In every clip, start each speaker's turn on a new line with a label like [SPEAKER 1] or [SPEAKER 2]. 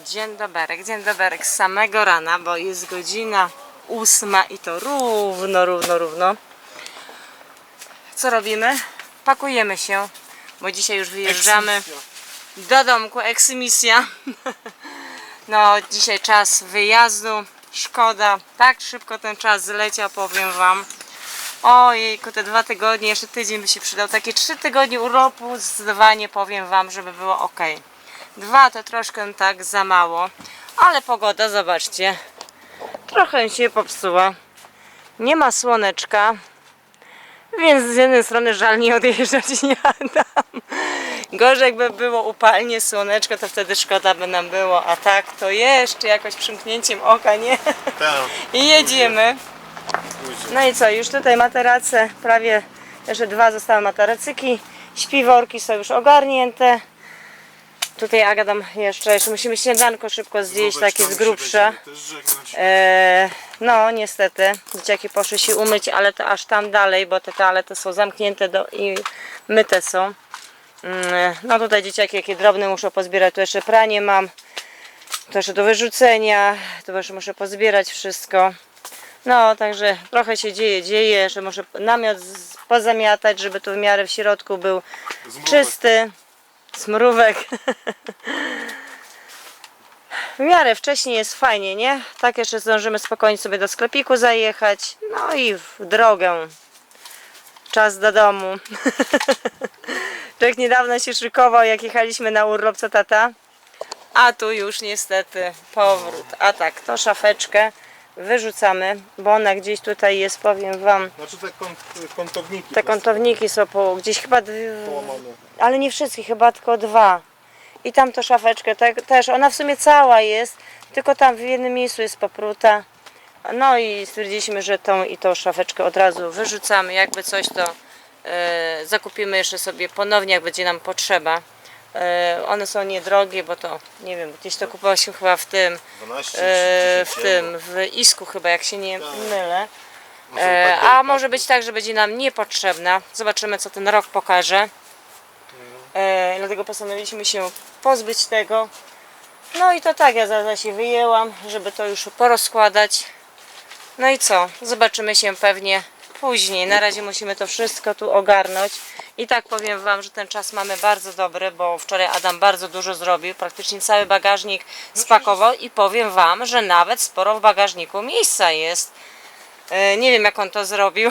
[SPEAKER 1] Dzień dobry, z samego rana, bo jest godzina 8 i to równo. Co robimy? Pakujemy się, bo dzisiaj już wyjeżdżamy do domku, eksmisja. No, dzisiaj czas wyjazdu, szkoda, tak szybko ten czas zleciał, powiem wam. Ojejku, te 2 tygodnie, jeszcze tydzień by się przydał, takie 3 tygodnie urlopu, zdecydowanie powiem wam, żeby było ok. 2 to troszkę tak za mało, ale pogoda, zobaczcie, trochę się popsuła, nie ma słoneczka, więc z jednej strony żal nie odjeżdżać nie Adam. Gorzej jakby było upalnie, słoneczko, to wtedy szkoda by nam było, a tak to jeszcze jakoś przymknięciem oka, nie? I jedziemy. No i co, już tutaj materace, prawie jeszcze 2 zostały materacyki, śpiworki są już ogarnięte. Tutaj Adam jeszcze musimy śniadanko szybko zjeść, takie z grubsza. No niestety, dzieciaki poszły się umyć, ale to aż tam dalej, bo te toalety są zamknięte i myte są. No tutaj dzieciaki jakie drobne muszą pozbierać, tu jeszcze pranie mam, to jeszcze do wyrzucenia, tu jeszcze muszę pozbierać wszystko. No także trochę się dzieje, że muszę namiot pozamiatać, żeby tu w miarę w środku był czysty. Smrówek. W miarę wcześniej jest fajnie, nie? Tak jeszcze zdążymy spokojnie sobie do sklepiku zajechać. No i w drogę. Czas do domu. Człowiek niedawno się szykował, jak jechaliśmy na urlop, co tata? A tu już niestety powrót. A tak, to szafeczkę wyrzucamy, bo ona gdzieś tutaj jest, powiem wam.
[SPEAKER 2] Znaczy te kątowniki.
[SPEAKER 1] Te kątowniki są gdzieś chyba połamane. Ale nie wszystkie, chyba tylko 2. I tam to szafeczkę też, ona w sumie cała jest, tylko tam w jednym miejscu jest popruta. No i stwierdziliśmy, że tą szafeczkę od razu wyrzucamy. Jakby coś, to zakupimy jeszcze sobie ponownie, jak będzie nam potrzeba. One są niedrogie, bo to nie wiem, gdzieś to kupowało chyba w tym 12, w Isku chyba, jak się nie mylę. A może być tak, że będzie nam niepotrzebna. Zobaczymy, co ten rok pokaże. Dlatego postanowiliśmy się pozbyć tego. No i to tak, ja zaraz się wyjęłam, żeby to już porozkładać. No i co? Zobaczymy się pewnie później. Na razie musimy to wszystko tu ogarnąć. I tak powiem wam, że ten czas mamy bardzo dobry, bo wczoraj Adam bardzo dużo zrobił. Praktycznie cały bagażnik spakował i powiem wam, że nawet sporo w bagażniku miejsca jest. Nie wiem, jak on to zrobił.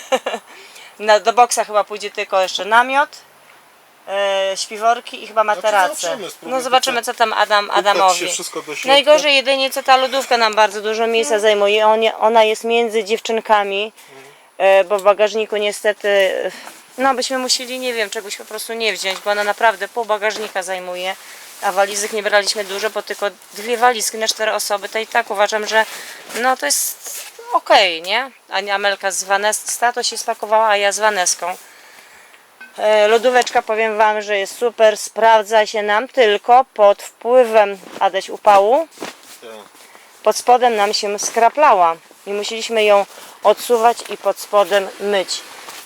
[SPEAKER 1] Do boksa chyba pójdzie tylko jeszcze namiot, śpiworki i chyba materace. No zobaczymy, co tam Adamowi. Najgorzej jedynie co ta lodówka nam bardzo dużo miejsca zajmuje. Ona jest między dziewczynkami, bo w bagażniku niestety, no byśmy musieli, nie wiem, czegoś po prostu nie wziąć, bo ona naprawdę pół bagażnika zajmuje. A walizek nie braliśmy dużo, bo tylko 2 walizki na 4 osoby, to i tak uważam, że no to jest okej, nie? A Amelka z Vanessa to się spakowała, a ja z Vaneską. Lodóweczka, powiem wam, że jest super, sprawdza się nam, tylko pod wpływem Adaś upału pod spodem nam się skraplała i musieliśmy ją odsuwać i pod spodem myć.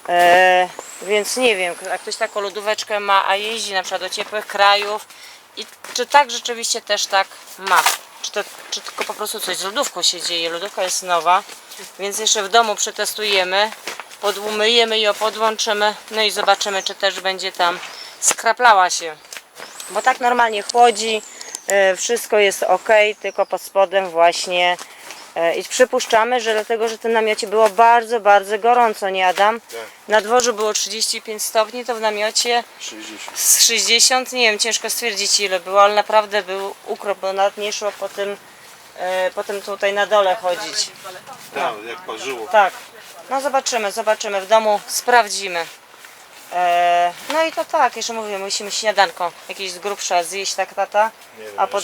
[SPEAKER 1] Więc nie wiem, jak ktoś taką lodóweczkę ma, a jeździ na przykład do ciepłych krajów i czy tak rzeczywiście też tak ma, czy tylko po prostu coś z lodówką się dzieje. Lodówka jest nowa, więc jeszcze w domu przetestujemy, umyjemy ją, podłączymy, no i zobaczymy, czy też będzie tam skraplała się, bo tak normalnie chłodzi, wszystko jest ok, tylko pod spodem właśnie. I przypuszczamy, że dlatego, że w tym namiocie było bardzo, bardzo gorąco, nie Adam? Tak. Na dworzu było 35 stopni, to w namiocie 60, nie wiem, ciężko stwierdzić ile było, ale naprawdę był ukrop, bo nawet nie szło po tym tutaj na dole chodzić.
[SPEAKER 2] No. Tak, jak parzyło.
[SPEAKER 1] Tak, no zobaczymy, w domu sprawdzimy. No i to tak, jeszcze mówię, musimy śniadanko jakieś z grubsza zjeść, tak tata?
[SPEAKER 2] Nie wiem,
[SPEAKER 1] a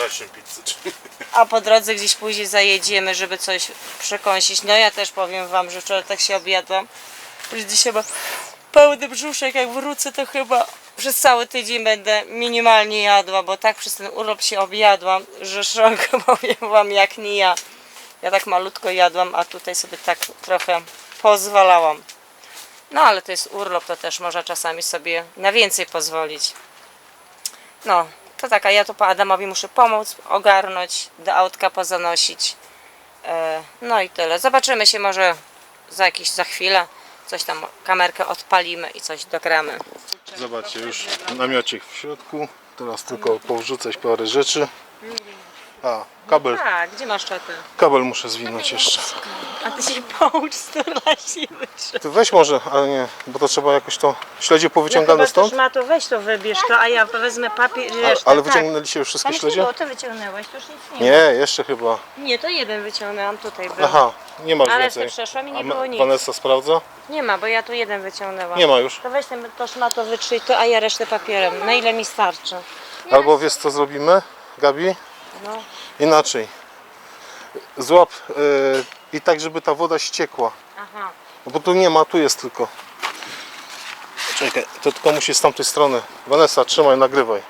[SPEAKER 1] po drodze gdzieś później zajedziemy, żeby coś przekąsić. No ja też powiem wam, że wczoraj tak się objadłam, że dzisiaj ma pełny brzuszek, jak wrócę to chyba przez cały tydzień będę minimalnie jadła, bo tak przez ten urlop się objadłam, że szok, powiem wam, jak nie ja. Ja tak malutko jadłam, a tutaj sobie tak trochę pozwalałam. No ale to jest urlop, to też można czasami sobie na więcej pozwolić. No, To tak, a ja to po Adamowi muszę pomóc, ogarnąć, do autka pozanosić. No i tyle. Zobaczymy się może za chwilę. Coś tam, kamerkę odpalimy i coś dogramy.
[SPEAKER 2] Zobaczcie, już namiocik w środku. Teraz tylko powrzucać parę rzeczy. A, kabel.
[SPEAKER 1] Tak, gdzie masz czatę?
[SPEAKER 2] Kabel muszę zwinąć jeszcze.
[SPEAKER 1] A ty się poucz z siły.
[SPEAKER 2] Ty weź może, ale nie, bo to trzeba jakoś to śledzie powyciągane stąd.
[SPEAKER 1] Ma to weź to wybierz to, a ja wezmę papier.
[SPEAKER 2] Ale wyciągnęliście już wszystkie śledzie?
[SPEAKER 1] Bo ty wyciągnęłaś, to już nic nie.
[SPEAKER 2] Nie, jeszcze chyba.
[SPEAKER 1] Nie, to jeden wyciągnęłam, tutaj był.
[SPEAKER 2] Aha, nie masz
[SPEAKER 1] Ale
[SPEAKER 2] więcej.
[SPEAKER 1] ty przeszłam i nie
[SPEAKER 2] A
[SPEAKER 1] było nic.
[SPEAKER 2] Vanessa sprawdza?
[SPEAKER 1] Nie ma, bo ja tu jeden wyciągnęłam.
[SPEAKER 2] Nie ma już.
[SPEAKER 1] To weź ten to szmato wytrzyj to, a ja resztę papierem. Na ile mi starczy?
[SPEAKER 2] Albo wiesz co zrobimy, Gabi?
[SPEAKER 1] No.
[SPEAKER 2] Inaczej. Złap i tak, żeby ta woda ściekła.
[SPEAKER 1] Aha.
[SPEAKER 2] No bo tu nie ma, tu jest tylko. Czekaj, to tylko musi z tamtej strony. Vanessa, trzymaj, nagrywaj.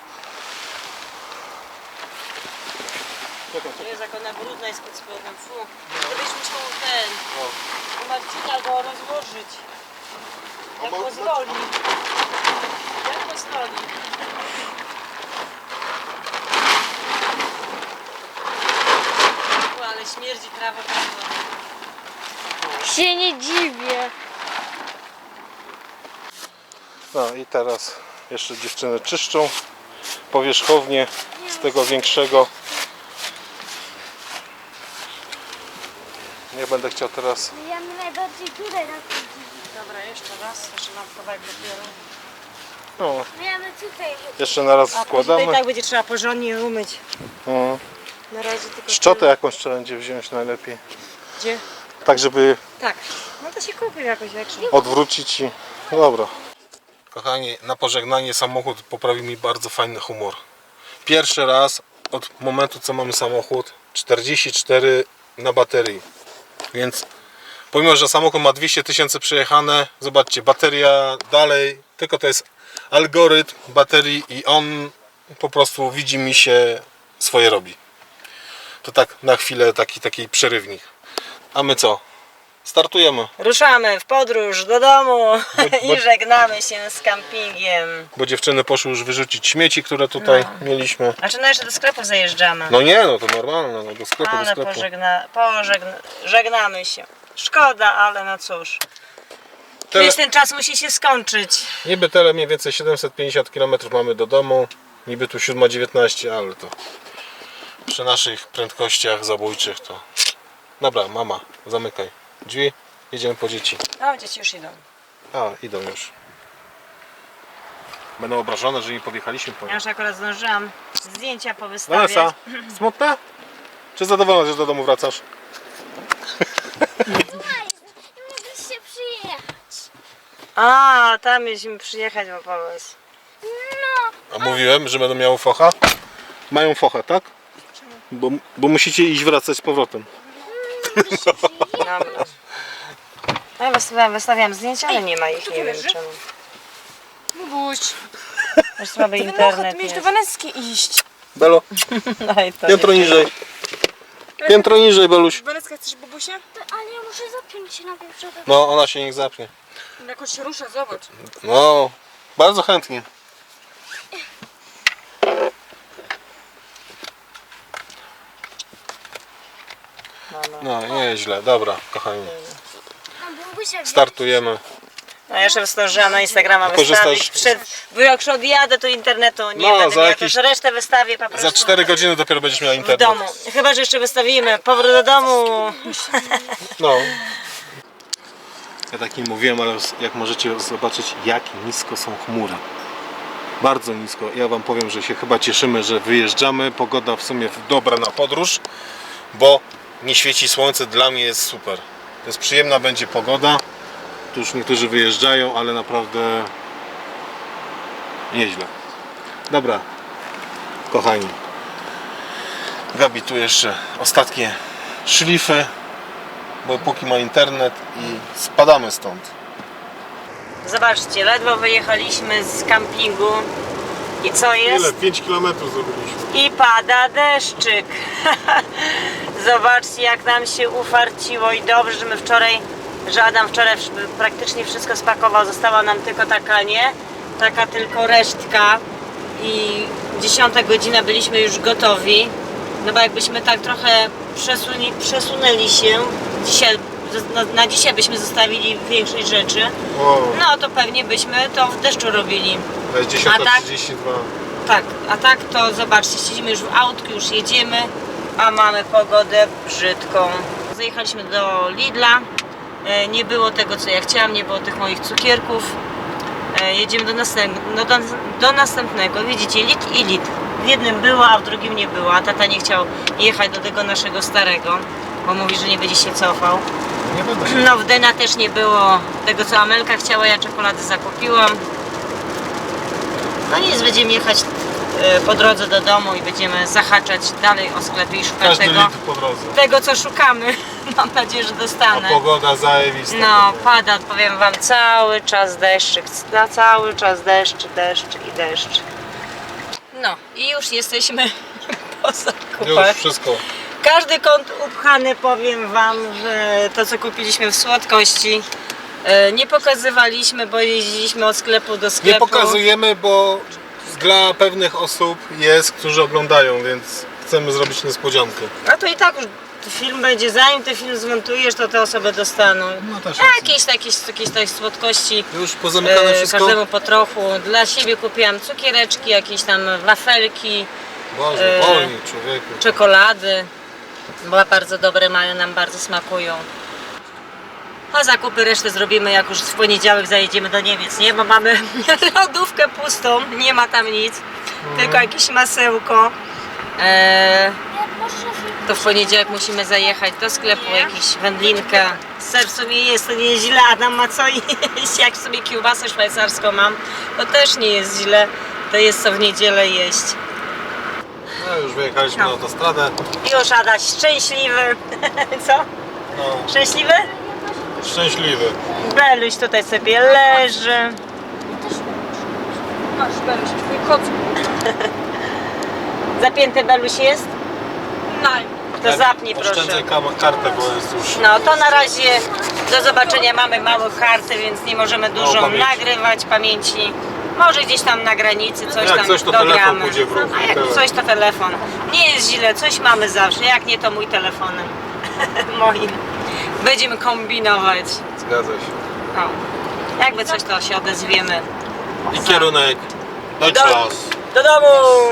[SPEAKER 1] Jest jak ona brudna jest pod spodem. Fu. Gdybyś musiał ten. U Marcina go rozłożyć. Jak pozwoli. Jak pozwoli. Ale śmierdzi prawo.
[SPEAKER 3] Się nie dziwię.
[SPEAKER 2] No i teraz jeszcze dziewczyny czyszczą powierzchownię z tego większego. Nie będę chciał teraz.
[SPEAKER 3] Ja mnie najbardziej tutaj na tym dziwię.
[SPEAKER 1] Dobra, jeszcze raz. Jeszcze mam kawałek papieru.
[SPEAKER 2] No,
[SPEAKER 3] Ja my tutaj.
[SPEAKER 2] jeszcze na raz
[SPEAKER 1] A później
[SPEAKER 2] składamy.
[SPEAKER 1] tak będzie trzeba porządnie umyć.
[SPEAKER 2] No.
[SPEAKER 1] Na razie tylko
[SPEAKER 2] Szczotę
[SPEAKER 1] tyle.
[SPEAKER 2] jakąś trzeba będzie wziąć najlepiej.
[SPEAKER 1] Gdzie?
[SPEAKER 2] Tak, żeby
[SPEAKER 1] Tak. No to się kupi jakoś większą.
[SPEAKER 2] odwrócić i... No dobra. Kochani, na pożegnanie samochód poprawił mi bardzo fajny humor. Pierwszy raz od momentu, co mamy samochód, 44 na baterii. Więc pomimo, że samochód ma 200 000 przejechane, zobaczcie, bateria dalej, tylko to jest algorytm baterii i on po prostu widzi mi się swoje robi. To tak na chwilę taki przerywnik. A my co? Startujemy.
[SPEAKER 1] Ruszamy w podróż do domu i żegnamy się z kampingiem.
[SPEAKER 2] Bo dziewczyny poszły już wyrzucić śmieci, które tutaj mieliśmy.
[SPEAKER 1] A czy no jeszcze do sklepu zajeżdżamy?
[SPEAKER 2] No nie, no to normalne, no do sklepu, do
[SPEAKER 1] Ale
[SPEAKER 2] sklepu.
[SPEAKER 1] żegnamy się. Szkoda, ale no cóż. Kiedyś ten czas musi się skończyć.
[SPEAKER 2] Niby tyle mniej więcej 750 km mamy do domu. Niby tu 7:19, ale to przy naszych prędkościach zabójczych to... Dobra, mama, zamykaj drzwi, jedziemy po dzieci.
[SPEAKER 1] O, dzieci już idą.
[SPEAKER 2] A, idą już. Będą obrażone, że nie podjechaliśmy po
[SPEAKER 1] Ja
[SPEAKER 2] nie.
[SPEAKER 1] już akurat zdążyłam zdjęcia powystawiać.
[SPEAKER 2] Vanessa, smutna? Czy zadowolona, że do domu wracasz?
[SPEAKER 3] Słuchaj, mogliście przyjechać.
[SPEAKER 1] A, tam mieliśmy przyjechać, bo pomysł.
[SPEAKER 3] No,
[SPEAKER 2] A mówiłem, że będą miały focha? Mają fochę, tak? Bo musicie iść wracać z powrotem.
[SPEAKER 1] Dobra. No ja wystawiam zdjęcia, ale nie ma ich, nie wiem czemu.
[SPEAKER 4] Bubuś,
[SPEAKER 1] Już słaby
[SPEAKER 4] ty
[SPEAKER 1] internet
[SPEAKER 4] wynocha, miałeś do
[SPEAKER 1] jest.
[SPEAKER 4] Waneski iść.
[SPEAKER 2] Belo,
[SPEAKER 1] No i to
[SPEAKER 2] piętro
[SPEAKER 1] nie-
[SPEAKER 2] niżej. Piętro niżej, Beluś.
[SPEAKER 4] Waneska, chcesz bubusia?
[SPEAKER 3] ale ja muszę zapiąć się najpierw, żeby...
[SPEAKER 2] No, ona się niech zapnie.
[SPEAKER 4] Jakoś się rusza, zobacz.
[SPEAKER 2] No, bardzo chętnie. No, nieźle. Dobra, kochani.
[SPEAKER 3] A bubusia
[SPEAKER 2] Startujemy.
[SPEAKER 1] No jeszcze zdążyłam na Instagrama
[SPEAKER 2] Korzystasz-
[SPEAKER 1] wystawić. Bo jak już odjadę, to internetu nie
[SPEAKER 2] No,
[SPEAKER 1] będę
[SPEAKER 2] za
[SPEAKER 1] miała,
[SPEAKER 2] jakieś-
[SPEAKER 1] to resztę wystawię po prostu
[SPEAKER 2] Za 4 godziny dopiero będziesz miała
[SPEAKER 1] w
[SPEAKER 2] internet.
[SPEAKER 1] domu. Chyba że jeszcze wystawimy powrót do domu.
[SPEAKER 2] No. Ja tak nie mówiłem, ale jak możecie zobaczyć, jak nisko są chmury. Bardzo nisko. Ja wam powiem, że się chyba cieszymy, że wyjeżdżamy. Pogoda w sumie dobra na podróż, bo nie świeci słońce. Dla mnie jest super. To jest przyjemna będzie pogoda. Tu już niektórzy wyjeżdżają, ale naprawdę nieźle. Dobra, kochani. Gabi tu jeszcze ostatnie szlify, bo póki ma internet i spadamy stąd.
[SPEAKER 1] Zobaczcie, ledwo wyjechaliśmy z kampingu. I co jest?
[SPEAKER 2] 5 km zrobiliśmy.
[SPEAKER 1] I pada deszczyk. Zobaczcie, jak nam się ufarciło i dobrze, że że Adam wczoraj praktycznie wszystko spakował. Została nam tylko taka, nie? Taka tylko resztka i 10 godzina byliśmy już gotowi. No bo jakbyśmy tak trochę przesunęli się dzisiaj, na dzisiaj byśmy zostawili większość rzeczy,
[SPEAKER 2] Wow.
[SPEAKER 1] no to pewnie byśmy to w deszczu robili.
[SPEAKER 2] To jest
[SPEAKER 1] A tak?
[SPEAKER 2] 10:32.
[SPEAKER 1] Tak, a tak to zobaczcie, siedzimy już w autku, już jedziemy, a mamy pogodę brzydką. Zajechaliśmy do Lidla, nie było tego co ja chciałam, nie było tych moich cukierków. Jedziemy do następnego, widzicie, Lidl i Lidl. W jednym było, a w drugim nie było, a tata nie chciał jechać do tego naszego starego, bo mówi, że nie będzie się cofał.
[SPEAKER 2] Nie będę się.
[SPEAKER 1] No w Dena też nie było tego co Amelka chciała, ja czekolady zakupiłam. No nic, będziemy jechać po drodze do domu i będziemy zahaczać dalej o sklepy i szukać
[SPEAKER 2] Każdy
[SPEAKER 1] tego,
[SPEAKER 2] litr po drodze.
[SPEAKER 1] tego co szukamy. Mam nadzieję, że dostanę.
[SPEAKER 2] A pogoda zajebista.
[SPEAKER 1] No pada, powiem wam, cały czas deszczyk, cały czas deszcz, deszcz i deszcz. No i już jesteśmy po zakupach.
[SPEAKER 2] Już wszystko.
[SPEAKER 1] Każdy kąt upchany, powiem wam, że to co kupiliśmy w słodkości nie pokazywaliśmy, bo jeździliśmy od sklepu do sklepu.
[SPEAKER 2] Nie pokazujemy, bo dla pewnych osób jest, którzy oglądają, więc chcemy zrobić niespodziankę.
[SPEAKER 1] A to i tak już film będzie, zanim ten film zmontujesz, to te osoby dostaną.
[SPEAKER 2] No też
[SPEAKER 1] A jakieś słodkości,
[SPEAKER 2] Już pozamykane wszystko?
[SPEAKER 1] każdemu po trochu. Dla siebie kupiłam cukiereczki, jakieś tam wafelki,
[SPEAKER 2] Boże, wolniej człowieku.
[SPEAKER 1] czekolady, bo bardzo dobre mają, nam bardzo smakują. A zakupy resztę zrobimy jak już w poniedziałek zajedziemy do Niemiec, nie? Bo mamy lodówkę pustą, nie ma tam nic, tylko jakieś masełko. To w poniedziałek musimy zajechać do sklepu, jakiś wędlinkę. Ser w sumie jest, to nie jest źle, Adam ma co jeść, jak sobie kiełbasę szwajcarską mam, to też nie jest źle, to jest co w niedzielę jeść.
[SPEAKER 2] No już wyjechaliśmy na autostradę.
[SPEAKER 1] Już Adaś szczęśliwy, co?
[SPEAKER 2] No,
[SPEAKER 1] Szczęśliwy?
[SPEAKER 2] szczęśliwy.
[SPEAKER 1] Beluś tutaj sobie leży.
[SPEAKER 4] Masz, Beluś, twój kot.
[SPEAKER 1] Zapięty Beluś jest?
[SPEAKER 4] Naj.
[SPEAKER 1] To zapnij proszę.
[SPEAKER 2] Oszczędzaj kartę, bo jest już...
[SPEAKER 1] No to na razie do zobaczenia, mamy małe karty, więc nie możemy dużo
[SPEAKER 2] pamięci.
[SPEAKER 1] nagrywać pamięci. Może gdzieś tam na granicy coś
[SPEAKER 2] Jak
[SPEAKER 1] tam
[SPEAKER 2] coś, to
[SPEAKER 1] dogramy.
[SPEAKER 2] telefon pójdzie w ruch.
[SPEAKER 1] A jak coś to telefon. Nie jest źle, coś mamy zawsze, jak nie to mój telefonem. Moim. Będziemy kombinować.
[SPEAKER 2] Zgadza się.
[SPEAKER 1] No. Jakby coś to się odezwiemy.
[SPEAKER 2] I kierunek Deutschland.
[SPEAKER 1] Do domu!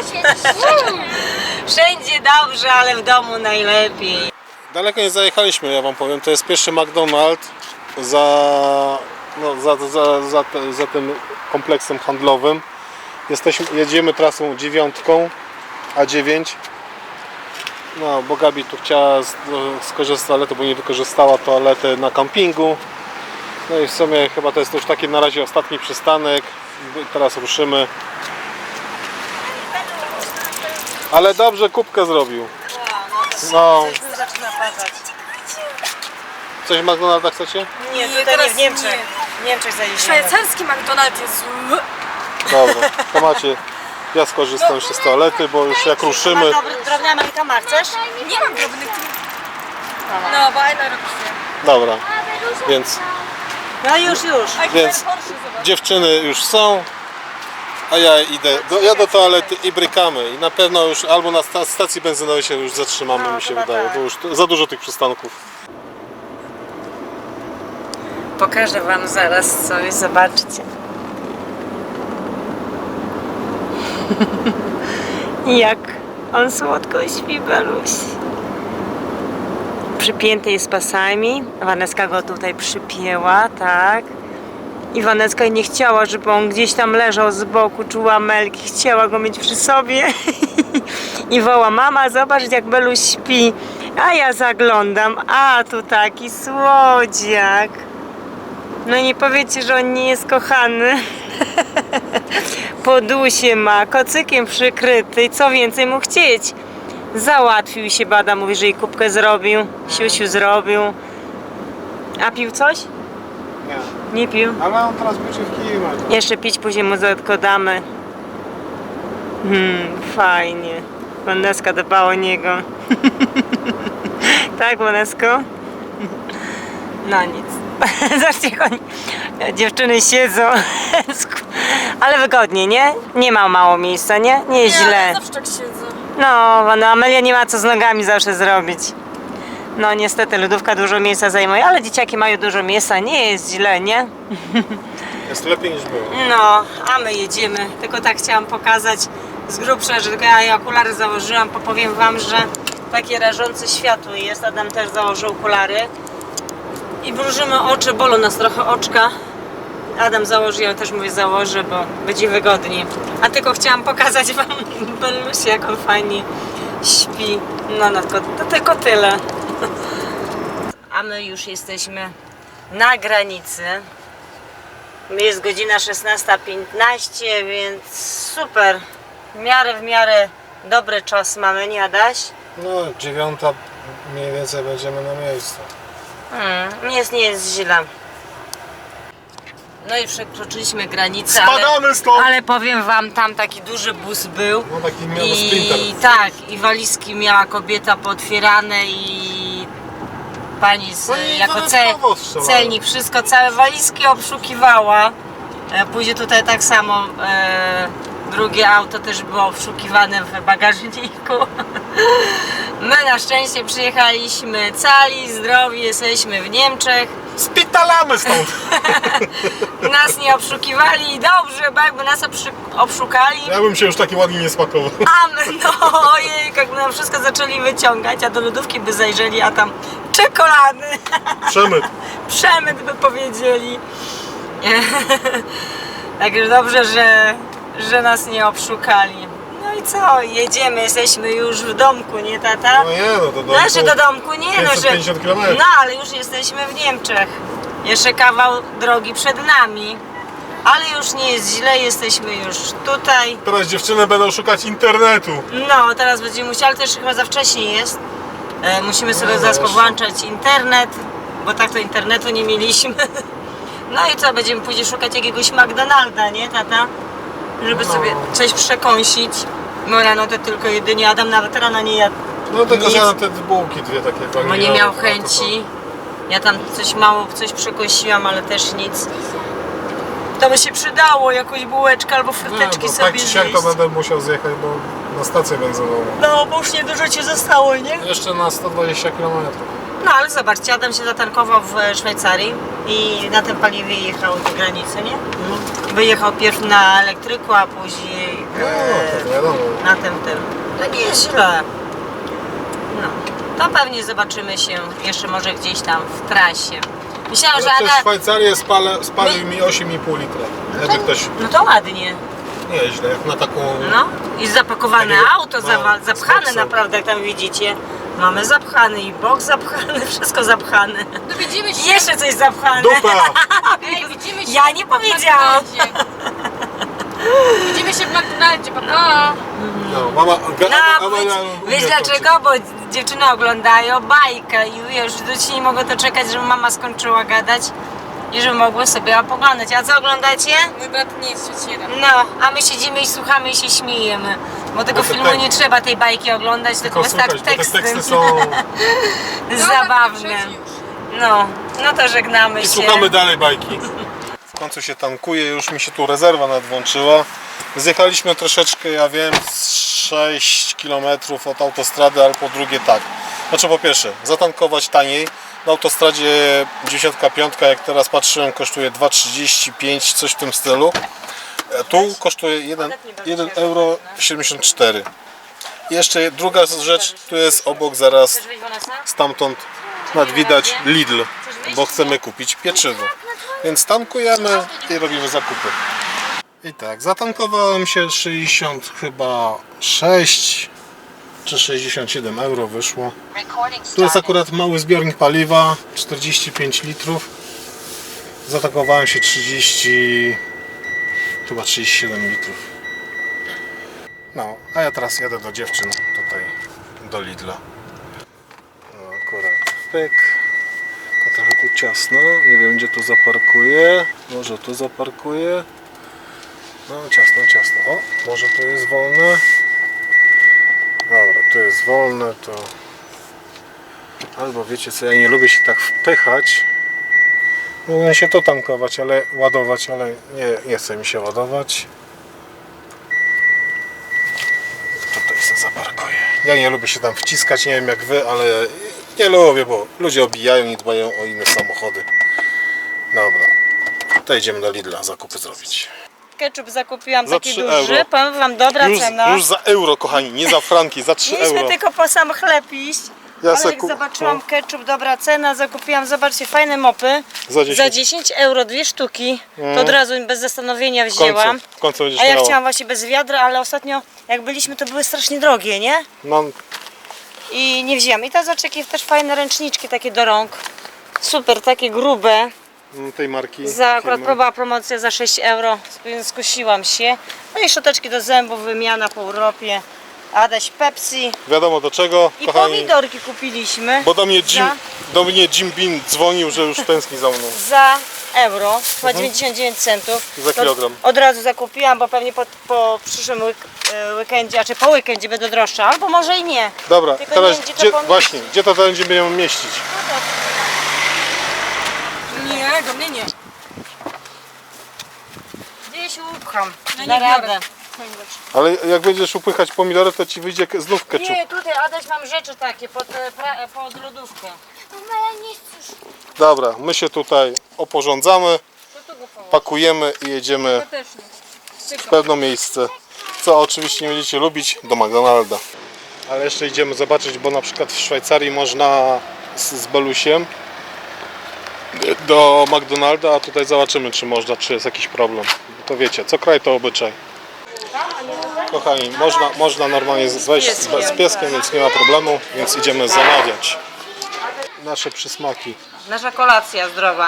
[SPEAKER 1] Wszędzie dobrze, ale w domu najlepiej.
[SPEAKER 2] Daleko nie zajechaliśmy, ja wam powiem. To jest pierwszy McDonald's za tym kompleksem handlowym. Jedziemy trasą 9, A9. No, bo Gabi tu chciała skorzystać z toalety, bo nie wykorzystała toalety na kampingu. No i w sumie chyba to jest już taki na razie ostatni przystanek. Teraz ruszymy. Ale dobrze kubkę zrobił. No.
[SPEAKER 1] Zaczyna padać.
[SPEAKER 2] Coś w McDonalda chcecie?
[SPEAKER 1] Nie,
[SPEAKER 4] Nie,
[SPEAKER 1] tutaj
[SPEAKER 4] teraz
[SPEAKER 1] nie w Niemczech.
[SPEAKER 4] nie.
[SPEAKER 1] W Niemczech zajedziemy.
[SPEAKER 4] Szwajcarski McDonald's jest zły.
[SPEAKER 2] Dobra, to macie. Ja skorzystam jeszcze z toalety, bo już jak ruszymy.
[SPEAKER 1] Drobna Ameryka ma, chcesz?
[SPEAKER 4] Nie mam drobnych. No, bo Aina robi się.
[SPEAKER 2] Dobra, więc
[SPEAKER 1] No już.
[SPEAKER 4] A
[SPEAKER 2] Więc-
[SPEAKER 4] Horszy, zobacz.
[SPEAKER 2] dziewczyny już są, a ja idę do toalety i brykamy. I na pewno już albo na stacji benzynowej się już zatrzymamy,
[SPEAKER 1] No,
[SPEAKER 2] mi się
[SPEAKER 1] chyba
[SPEAKER 2] wydaje,
[SPEAKER 1] tak.
[SPEAKER 2] bo już za dużo tych przystanków.
[SPEAKER 1] Pokażę wam zaraz coś, zobaczcie. Jak on słodko śpi, Beluś. Przypięty jest pasami. Waneska go tutaj przypięła, tak. I Waneska nie chciała, żeby on gdzieś tam leżał z boku, czuła Melki. Chciała go mieć przy sobie. I woła: mama, zobacz jak Beluś śpi. A ja zaglądam, a tu taki słodziak. No nie powiecie, że on nie jest kochany. Podusie ma, kocykiem przykryty i co więcej mu chcieć. Załatwił się, Bada mówi, że jej kubkę zrobił, siusiu zrobił. A pił coś?
[SPEAKER 2] Nie,
[SPEAKER 1] Nie pił.
[SPEAKER 2] ale on teraz buczywki ma.
[SPEAKER 1] Jeszcze pić później mu odkładamy. Fajnie. Waneska dba o niego. Tak, Wanesko? No nic. Zobaczcie, jak oni, dziewczyny siedzą. Ale wygodnie, nie? Nie ma mało miejsca, nie? Nie jest
[SPEAKER 4] Ja
[SPEAKER 1] źle.
[SPEAKER 4] zawsze tak siedzę.
[SPEAKER 1] No, Amelia nie ma co z nogami zawsze zrobić. No niestety lodówka dużo miejsca zajmuje, ale dzieciaki mają dużo miejsca, nie jest źle, nie?
[SPEAKER 2] Jest lepiej niż było.
[SPEAKER 1] No, a my jedziemy. Tylko tak chciałam pokazać z grubsza, że tylko ja okulary założyłam, bo powiem wam, że takie rażące światło jest. Adam też założył okulary. I mrużymy oczy, bolą nas trochę oczka. Adam założy, ja też mówię założę, bo będzie wygodniej. A tylko chciałam pokazać wam Bellusię, jak on fajnie śpi. No to tylko tyle. A my już jesteśmy na granicy. Jest godzina 16:15, więc super. W miarę dobry czas mamy, nie Adaś?
[SPEAKER 2] No 9 mniej więcej będziemy na miejscu.
[SPEAKER 1] Nie jest źle. No i przekroczyliśmy granicę,
[SPEAKER 2] Spadamy stąd!
[SPEAKER 1] ale powiem wam, tam taki duży bus był.
[SPEAKER 2] No taki miał
[SPEAKER 1] I
[SPEAKER 2] sprinter.
[SPEAKER 1] tak, i walizki miała kobieta pootwierane i pani z,
[SPEAKER 2] No i
[SPEAKER 1] jako
[SPEAKER 2] dodatkowo strzelała.
[SPEAKER 1] celnik wszystko, całe walizki obszukiwała. Później tutaj tak samo drugie auto też było obszukiwane w bagażniku. My na szczęście przyjechaliśmy cali, zdrowi, jesteśmy w Niemczech.
[SPEAKER 2] Spitalamy stąd!
[SPEAKER 1] Nas nie obszukiwali i dobrze, bo jakby nas obszukali,
[SPEAKER 2] Ja bym się już taki ładnie nie spakował.
[SPEAKER 1] a my, no ojej, jakby nam wszystko zaczęli wyciągać, a do lodówki by zajrzeli, a tam czekolady,
[SPEAKER 2] Przemyt.
[SPEAKER 1] przemyt by powiedzieli. Także dobrze, że nas nie obszukali. No i co, jedziemy, jesteśmy już w domku, nie tata?
[SPEAKER 2] No nie, no to do
[SPEAKER 1] Znaczy do domku nie, no, że,
[SPEAKER 2] 550 km.
[SPEAKER 1] no ale już jesteśmy w Niemczech. Jeszcze kawał drogi przed nami. Ale już nie jest źle, jesteśmy już tutaj.
[SPEAKER 2] Teraz dziewczyny będą szukać internetu.
[SPEAKER 1] No, teraz będziemy musieli, ale też chyba za wcześnie jest. Musimy sobie zaraz
[SPEAKER 2] jeszcze.
[SPEAKER 1] powłączać internet, bo tak to internetu nie mieliśmy. No i co, będziemy później szukać jakiegoś McDonalda, nie tata? Żeby sobie coś przekąsić. No rano to tylko jedynie, Adam nawet rano nie jadł.
[SPEAKER 2] No tylko
[SPEAKER 1] Nic.
[SPEAKER 2] zjadłem te bułki dwie takie
[SPEAKER 1] Bo nie
[SPEAKER 2] waniliowe,
[SPEAKER 1] miał
[SPEAKER 2] no to
[SPEAKER 1] chęci. Ja tam coś przekąsiłam, ale też nic. To by się przydało, jakąś bułeczkę albo
[SPEAKER 2] Nie,
[SPEAKER 1] fryteczki
[SPEAKER 2] bo
[SPEAKER 1] sobie
[SPEAKER 2] tak czy siak to
[SPEAKER 1] zjeść.
[SPEAKER 2] będę musiał zjechać, bo na stację benzynową.
[SPEAKER 1] No, bo już niedużo ci zostało, nie?
[SPEAKER 2] Jeszcze na 120 km.
[SPEAKER 1] No, ale zobaczcie, Adam się zatankował w Szwajcarii i na tym paliwie jechał do granicy, nie? Wyjechał pierw na elektryku, a później
[SPEAKER 2] No, to wiadomo.
[SPEAKER 1] na tym. To nie jest źle. No, to pewnie zobaczymy się jeszcze może gdzieś tam w trasie. Myślałam,
[SPEAKER 2] Ale
[SPEAKER 1] że
[SPEAKER 2] przez
[SPEAKER 1] Ada...
[SPEAKER 2] Szwajcarię spalił mi 8,5 litra. Jakby ktoś
[SPEAKER 1] No to ładnie.
[SPEAKER 2] nieźle, jak na taką...
[SPEAKER 1] No i zapakowane
[SPEAKER 2] Takiego-
[SPEAKER 1] auto,
[SPEAKER 2] no,
[SPEAKER 1] zapchane
[SPEAKER 2] z boksem.
[SPEAKER 1] naprawdę, jak tam widzicie. Mamy zapchany i bok zapchany, wszystko zapchane.
[SPEAKER 4] No widzimy
[SPEAKER 1] I
[SPEAKER 4] się.
[SPEAKER 1] jeszcze coś zapchane.
[SPEAKER 2] Dupa!
[SPEAKER 4] Ej, widzimy się.
[SPEAKER 1] Ja nie
[SPEAKER 4] w
[SPEAKER 1] powiedziałam.
[SPEAKER 4] McDonaldzie. Widzimy się w McDonaldzie, papa.
[SPEAKER 2] No, mama...
[SPEAKER 1] No, wiesz dlaczego? Bo dziewczyny oglądają bajkę i wiesz, dzieci nie mogą doczekać, żeby mama skończyła gadać i żeby mogły sobie opoglądać. A co oglądacie?
[SPEAKER 4] Mój brat nie jest trzeciera.
[SPEAKER 1] No, a my siedzimy i słuchamy i się śmiejemy. Bo tego
[SPEAKER 2] Bo to
[SPEAKER 1] filmu
[SPEAKER 2] tak-
[SPEAKER 1] nie trzeba tej bajki oglądać, tylko wystarczy
[SPEAKER 2] Słuchaj, bo te
[SPEAKER 1] teksty.
[SPEAKER 2] teksty są...
[SPEAKER 1] Zabawne. No to żegnamy
[SPEAKER 2] I
[SPEAKER 1] się.
[SPEAKER 2] słuchamy dalej bajki. W końcu się tankuje, już mi się tu rezerwa nadłączyła. Zjechaliśmy troszeczkę, ja wiem, z 6 km od autostrady, ale po drugie tak. Znaczy po pierwsze, zatankować taniej. Na autostradzie 95, jak teraz patrzyłem, kosztuje 2,35, coś w tym stylu. Tu kosztuje 1,74 euro. I jeszcze druga rzecz, tu jest obok zaraz,
[SPEAKER 1] Chcesz wyjść, Vanessa?
[SPEAKER 2] stamtąd nad widać Lidl, bo chcemy kupić pieczywo. Więc tankujemy i robimy zakupy. I tak, zatankowałem się 60 chyba 6 czy 67 euro wyszło. Tu jest akurat mały zbiornik paliwa, 45 litrów. Zatankowałem się 37 litrów. No, a ja teraz jadę do dziewczyn tutaj, do Lidla. No akurat, pyk. To trochę tu ciasno, nie wiem gdzie tu zaparkuję. Może tu zaparkuję. No ciasno. O, może tu jest wolne. Dobra, tu jest wolne, to... Albo wiecie co, ja nie lubię się tak wpychać. Mogłem się to tankować, ale ładować, ale nie chce mi się ładować. Tutaj się zaparkuję. Ja nie lubię się tam wciskać, nie wiem jak wy, ale nie lubię, bo ludzie obijają i dbają o inne samochody. Dobra, to idziemy do Lidla zakupy zrobić.
[SPEAKER 1] Ketchup zakupiłam
[SPEAKER 2] Za
[SPEAKER 1] taki
[SPEAKER 2] 3
[SPEAKER 1] duży,
[SPEAKER 2] euro.
[SPEAKER 1] powiem wam, dobra cena.
[SPEAKER 2] Już za euro, kochani, nie za franki, za 3
[SPEAKER 1] Mieliśmy
[SPEAKER 2] euro.
[SPEAKER 1] tylko po sam chleb iść,
[SPEAKER 2] Ja
[SPEAKER 1] ale
[SPEAKER 2] se
[SPEAKER 1] jak zobaczyłam ketchup, dobra cena, zakupiłam, zobaczcie, fajne mopy.
[SPEAKER 2] Za 10.
[SPEAKER 1] Za 10 euro 2 sztuki, to od razu bez zastanowienia
[SPEAKER 2] W końcu,
[SPEAKER 1] wzięłam.
[SPEAKER 2] w końcu będziesz
[SPEAKER 1] A ja
[SPEAKER 2] miała.
[SPEAKER 1] chciałam właśnie bez wiadra, ale ostatnio jak byliśmy, to były strasznie drogie, nie?
[SPEAKER 2] No,
[SPEAKER 1] I nie wzięłam. I ta zobaczcie, jakie też fajne ręczniczki takie do rąk. Super, takie grube.
[SPEAKER 2] tej marki.
[SPEAKER 1] Za akurat
[SPEAKER 2] firmy.
[SPEAKER 1] była promocja za 6 euro, więc skusiłam się. No i szczoteczki do zębów, wymiana po Europie. Adaś Pepsi.
[SPEAKER 2] Wiadomo do czego,
[SPEAKER 1] I
[SPEAKER 2] kochani.
[SPEAKER 1] pomidorki kupiliśmy.
[SPEAKER 2] Bo do mnie Jim Beam dzwonił, że już tęskni za mną.
[SPEAKER 1] Za euro, chyba 99 centów.
[SPEAKER 2] Za
[SPEAKER 1] To
[SPEAKER 2] kilogram.
[SPEAKER 1] Od razu zakupiłam, bo pewnie po przyszłym weekendzie, a czy po weekendzie będą droższe, albo może i nie.
[SPEAKER 2] Dobra,
[SPEAKER 1] Tylko
[SPEAKER 2] teraz
[SPEAKER 1] nie wiem, gdzie to pomieścić.
[SPEAKER 2] właśnie, gdzie to będzie będziemy mieścić?
[SPEAKER 4] Nie, do mnie nie.
[SPEAKER 1] Gdzieś upcham,
[SPEAKER 4] No
[SPEAKER 1] na
[SPEAKER 4] nie biorę.
[SPEAKER 1] radę.
[SPEAKER 2] Ale jak będziesz upychać pomidory, to ci wyjdzie znów ketchup.
[SPEAKER 1] Nie, tutaj Adaś mam rzeczy takie pod lodówkę.
[SPEAKER 3] Mama, ja nie chcę.
[SPEAKER 2] Dobra, my się tutaj oporządzamy,
[SPEAKER 1] To tu go położę.
[SPEAKER 2] pakujemy i jedziemy
[SPEAKER 4] Ja też nie.
[SPEAKER 2] w pewne miejsce. Co oczywiście nie będziecie lubić, do McDonalda. Ale jeszcze idziemy zobaczyć, bo na przykład w Szwajcarii można z Belusiem do McDonalda, a tutaj zobaczymy, czy można, czy jest jakiś problem. Bo to wiecie, co kraj to obyczaj. Kochani, można normalnie wejść z pieskiem, więc nie ma problemu, więc idziemy zamawiać nasze przysmaki.
[SPEAKER 1] Nasza kolacja zdrowa.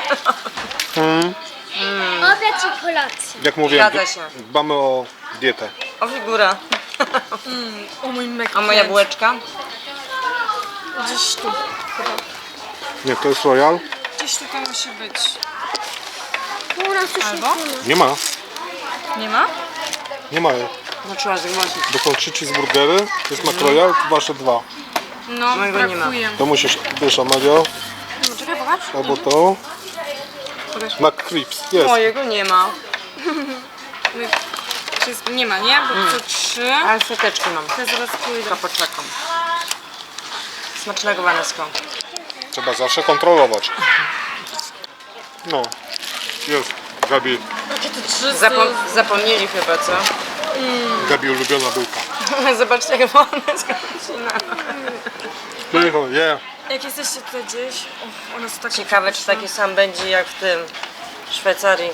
[SPEAKER 3] Obiad i kolacja.
[SPEAKER 2] Jak mówiłem,
[SPEAKER 1] Zgadza się.
[SPEAKER 2] dbamy o dietę.
[SPEAKER 1] O figura.
[SPEAKER 4] O mój mek.
[SPEAKER 1] A moja bułeczka?
[SPEAKER 4] Gdzieś tu.
[SPEAKER 2] Nie, to jest Royal?
[SPEAKER 4] Gdzieś tutaj musi być.
[SPEAKER 3] U nas już
[SPEAKER 4] Albo?
[SPEAKER 2] Nie ma.
[SPEAKER 4] Nie ma?
[SPEAKER 2] Nie ma.
[SPEAKER 1] No trzeba zgłosić.
[SPEAKER 2] Bo są 3 cheeseburgery, to jest McRoyal, wasze 2.
[SPEAKER 4] No,
[SPEAKER 1] Mojego nie ma.
[SPEAKER 4] brakuje.
[SPEAKER 2] To musisz, wiesz, Amelio,
[SPEAKER 4] No, czekaj, popatrz.
[SPEAKER 2] albo to.
[SPEAKER 4] Pokaż.
[SPEAKER 2] McCrips, jest.
[SPEAKER 1] Mojego nie ma.
[SPEAKER 4] Nie ma, nie? Bo to 3.
[SPEAKER 1] Ale seteczki mam.
[SPEAKER 4] To zaraz pójdę.
[SPEAKER 1] To poczekam. Smacznego, Wanesko.
[SPEAKER 2] Trzeba zawsze kontrolować. No, jest. Gabi,
[SPEAKER 1] Zapomnieli chyba, co?
[SPEAKER 2] Gabi ulubiona bułka.
[SPEAKER 1] Zobaczcie, jak Wanesko wycina.
[SPEAKER 2] Cicho, yeah.
[SPEAKER 4] Jak jesteście tutaj gdzieś, o, one są takie...
[SPEAKER 1] Ciekawe, czy taki sam będzie jak w tym w Szwajcarii.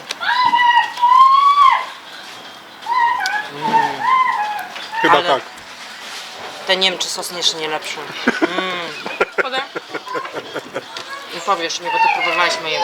[SPEAKER 2] Chyba
[SPEAKER 1] Ale-
[SPEAKER 2] tak.
[SPEAKER 1] Te Niemczy sos jeszcze nie lepszy.
[SPEAKER 4] Podaj.
[SPEAKER 1] Nie powiesz mi, bo ty próbowałeś mojego.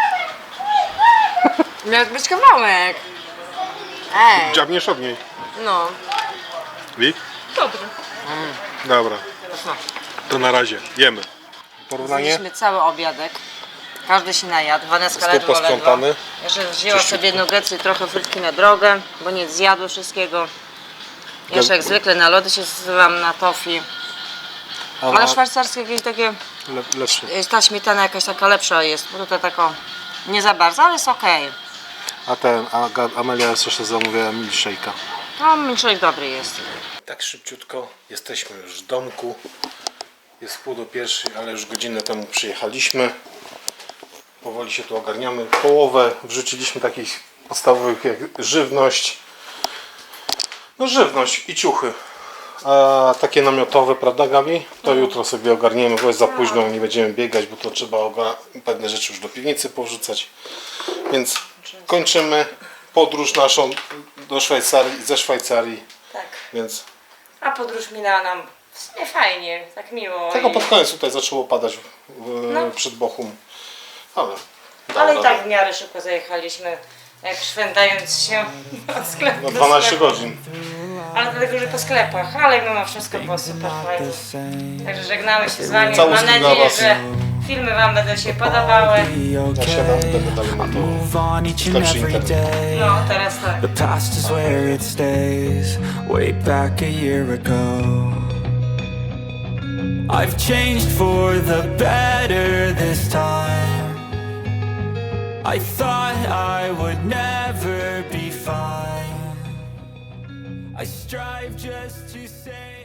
[SPEAKER 1] Miał być kawałek. Ej,
[SPEAKER 2] Dziabniesz od niej.
[SPEAKER 1] no.
[SPEAKER 2] Wik?
[SPEAKER 4] Dobry.
[SPEAKER 2] Dobra,
[SPEAKER 1] No.
[SPEAKER 2] to na razie, jemy. Porównanie?
[SPEAKER 1] Zjedliśmy cały obiadek. Każdy się najadł. Waneska
[SPEAKER 2] Stół
[SPEAKER 1] ledwo,
[SPEAKER 2] posprzątany.
[SPEAKER 1] Jeszcze wzięła sobie nuggetsy i trochę frytki na drogę, bo nie zjadły wszystkiego. Jeszcze jak zwykle na lody się zsyłam, na tofi. Ale szwajcarskie jakieś takie,
[SPEAKER 2] Lepszy.
[SPEAKER 1] ta śmietana jakaś taka lepsza jest, bo tutaj taka nie za bardzo, ale jest okej.
[SPEAKER 2] Amelia jeszcze zamówiła milkshake'a.
[SPEAKER 1] No, milkshake dobry jest.
[SPEAKER 2] Tak szybciutko, jesteśmy już w domku. Jest 12:30, ale już godzinę temu przyjechaliśmy. Powoli się tu ogarniamy. Połowę wrzuciliśmy takich podstawowych jak żywność. No żywność i ciuchy. A takie namiotowe, prawda Gabi? To jutro sobie ogarniemy, bo jest za późno, nie będziemy biegać, bo to trzeba pewne rzeczy już do piwnicy powrzucać. Więc kończymy podróż naszą do Szwajcarii, ze Szwajcarii.
[SPEAKER 1] Tak.
[SPEAKER 2] Więc
[SPEAKER 1] A podróż minęła nam w sumie fajnie, tak miło.
[SPEAKER 2] tego
[SPEAKER 1] i-
[SPEAKER 2] pod koniec tutaj zaczęło padać przed Bochum. Ale
[SPEAKER 1] Ale i
[SPEAKER 2] dobra.
[SPEAKER 1] tak w miarę szybko zajechaliśmy, jak szwendając się od sklepu
[SPEAKER 2] No
[SPEAKER 1] do
[SPEAKER 2] 12
[SPEAKER 1] sklepu.
[SPEAKER 2] godzin.
[SPEAKER 1] Ale dlatego, że po sklepach, ale mimo wszystko było super fajnie. Także żegnamy się z Wami.
[SPEAKER 2] Całuski
[SPEAKER 1] Mam
[SPEAKER 2] dla
[SPEAKER 1] nadzieję,
[SPEAKER 2] was.
[SPEAKER 1] że filmy Wam będą się podobały.
[SPEAKER 2] Zasiadam, będę dalej montował.
[SPEAKER 5] Move on each and
[SPEAKER 2] Lepszy
[SPEAKER 5] every
[SPEAKER 2] internet.
[SPEAKER 5] day.
[SPEAKER 1] No, teraz tak.
[SPEAKER 5] The past is where it stays. Way back a year ago, I've changed for the better this time. I thought I would never be fine. I strive just to say